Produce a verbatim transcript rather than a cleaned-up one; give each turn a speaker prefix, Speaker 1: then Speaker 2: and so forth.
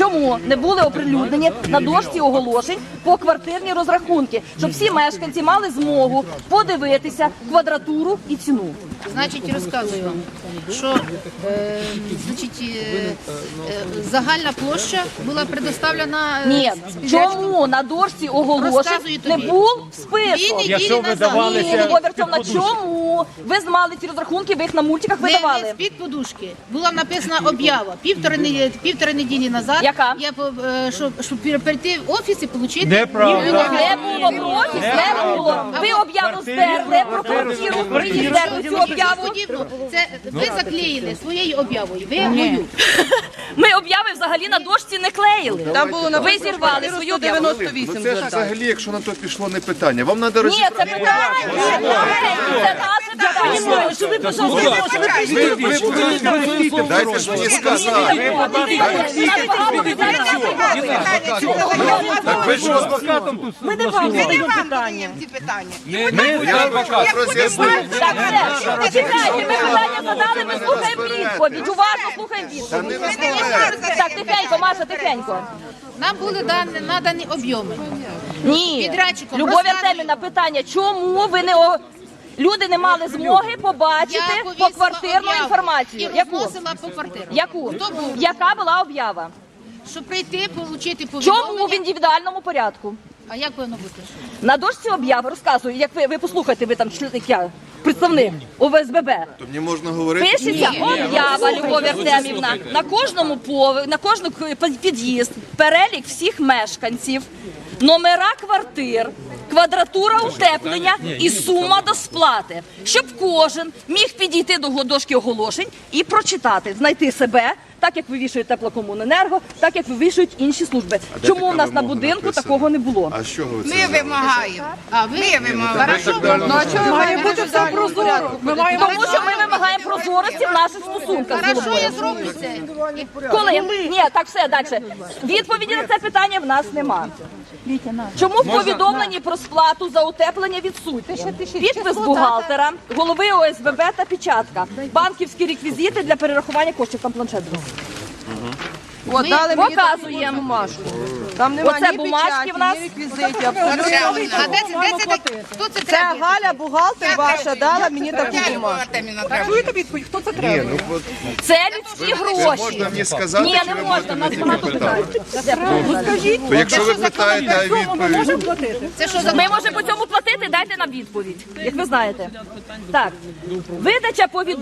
Speaker 1: чому не були оприлюднені на дошці оголошень поквартирні розрахунки, щоб всі мешканці мали змогу подивитися квадратуру і ціну.
Speaker 2: Значить, розказую вам, що е, значить, е, е, загальна площа була предоставлена... Е,
Speaker 1: Ні,
Speaker 2: підрядчиком.
Speaker 1: чому на дошці оголошень
Speaker 2: Розказую
Speaker 1: не
Speaker 2: тобі.
Speaker 1: був
Speaker 2: Дві
Speaker 1: список?
Speaker 2: неділі
Speaker 3: Якщо ви
Speaker 2: назад.
Speaker 3: давали-
Speaker 1: Ні, Любов Вертовна, чому? Ви мали ці розрахунки, ви їх на мультиках
Speaker 2: Не, не
Speaker 1: видавали.
Speaker 2: з-під подушки. Була написана об'ява. Півтори, не- півтори неділі назад.
Speaker 1: Яка?
Speaker 2: Я, по- е, щоб, щоб перейти в офіс і отримати...
Speaker 3: Неправда.
Speaker 1: Не було профіс, не було. Ви об'яву стерли, про квартиру, ви її стерли цю об'яву.
Speaker 2: Це ви заклеїли своєю об'явою. Ви мою.
Speaker 1: Ми об'яви взагалі на дошці не клеїли.
Speaker 4: Там було
Speaker 1: Ви
Speaker 4: написано
Speaker 1: зірвали свою об'яву.
Speaker 4: дев'яносто
Speaker 5: Ну
Speaker 4: вісім
Speaker 5: це ж
Speaker 4: звертань.
Speaker 5: взагалі, якщо на то пішло, не питання. Вам треба
Speaker 1: Ні,
Speaker 5: розібрати.
Speaker 1: це питання. Це наше питання. Що ви, пожалуйста,
Speaker 5: Ви, ви, ви простите, дайте ж мені сказати. Так ви що?
Speaker 4: Ми не вам задаємо ці питання.
Speaker 5: Я хочу роз'яснити.
Speaker 1: Так, все. Чекайте, ми питання задали, ми слухаємо відповідь. Уважно слухаємо
Speaker 5: Та не
Speaker 1: відповідь.
Speaker 5: розмовляйте.
Speaker 1: Так, тихенько, Маша, тихенько.
Speaker 2: Нам були дані, надані об'єми.
Speaker 1: Ні.
Speaker 2: Підрядчиком
Speaker 1: Любов
Speaker 2: розказую.
Speaker 1: Артемівна, питання, чому ви не... о- Люди не мали змоги побачити
Speaker 2: Я повісила
Speaker 1: поквартирну
Speaker 2: об'яву
Speaker 1: інформацію.
Speaker 2: І
Speaker 1: Яку?
Speaker 2: розносила по квартиру.
Speaker 1: Яку?
Speaker 2: Хто був?
Speaker 1: Яка була об'ява?
Speaker 2: Щоб прийти, отримати
Speaker 1: Чому
Speaker 2: повідомлення.
Speaker 1: в індивідуальному порядку?
Speaker 2: А як повинно бути?
Speaker 1: На дошці об'яви розказую, як ви, ви послухайте, ви там член- як я, представник О В С Б Б.
Speaker 5: То мені можна говорити?
Speaker 1: Пишеться об'ява, Любов Артемівна, на кожному пове, на кожну к- під'їзд, перелік всіх мешканців, номера квартир, квадратура утеплення і сума до сплати, щоб кожен міг підійти до дошки оголошень і прочитати, знайти себе, так як вивішують теплокомуненерго, так як вивішують інші служби.
Speaker 5: де
Speaker 1: Чому
Speaker 5: така
Speaker 1: у нас на
Speaker 5: вимога
Speaker 1: будинку
Speaker 5: написана?
Speaker 1: такого не було?
Speaker 5: А з чого ви це?
Speaker 4: Ми вимагаємо.
Speaker 2: А ви?
Speaker 4: Ми вимагаємо.
Speaker 2: Хорошо,
Speaker 4: Ну а чого має бути все прозоро? Ми маємо
Speaker 1: Тому що ми вимагаємо прозорості в наших стосунках. з
Speaker 2: Хорошо,
Speaker 1: головою.
Speaker 2: я зроблю це.
Speaker 1: Коли? Ні, так все, далі. Відповіді на це питання в нас нема. Чому в повідомленні про сплату за утеплення відсутні? Підпис бухгалтера, голови О С Б Б та печатка. Банківські реквізити для перерахування коштів. Там планшет був.
Speaker 4: От, дали мені таку
Speaker 1: Показуємо.
Speaker 4: бумажку. Там немає
Speaker 1: Оце
Speaker 4: ні
Speaker 1: бумажки
Speaker 4: печаті,
Speaker 1: в нас.
Speaker 4: ні реквізитів, абсолютно
Speaker 2: А
Speaker 4: нічого.
Speaker 2: де це, де це, так- хто це
Speaker 4: Це
Speaker 2: треба?
Speaker 4: Галя, бухгалтер ваша, дала мені таку бумажку. Чуєте відповідь? Хто це треба?
Speaker 5: Ні, ну от
Speaker 1: Це людські
Speaker 5: це
Speaker 1: гроші.
Speaker 5: можна мені сказати,
Speaker 1: Ні,
Speaker 5: чи
Speaker 1: не
Speaker 5: ви
Speaker 1: можна,
Speaker 5: будете
Speaker 1: в нас
Speaker 5: мені
Speaker 1: багато
Speaker 5: питати?
Speaker 1: питань.
Speaker 5: То якщо ви питаєте, а відповідь...
Speaker 2: Це що за
Speaker 1: Ми можемо по цьому платити, дайте нам відповідь, як ви знаєте. Так, видача повідомлення.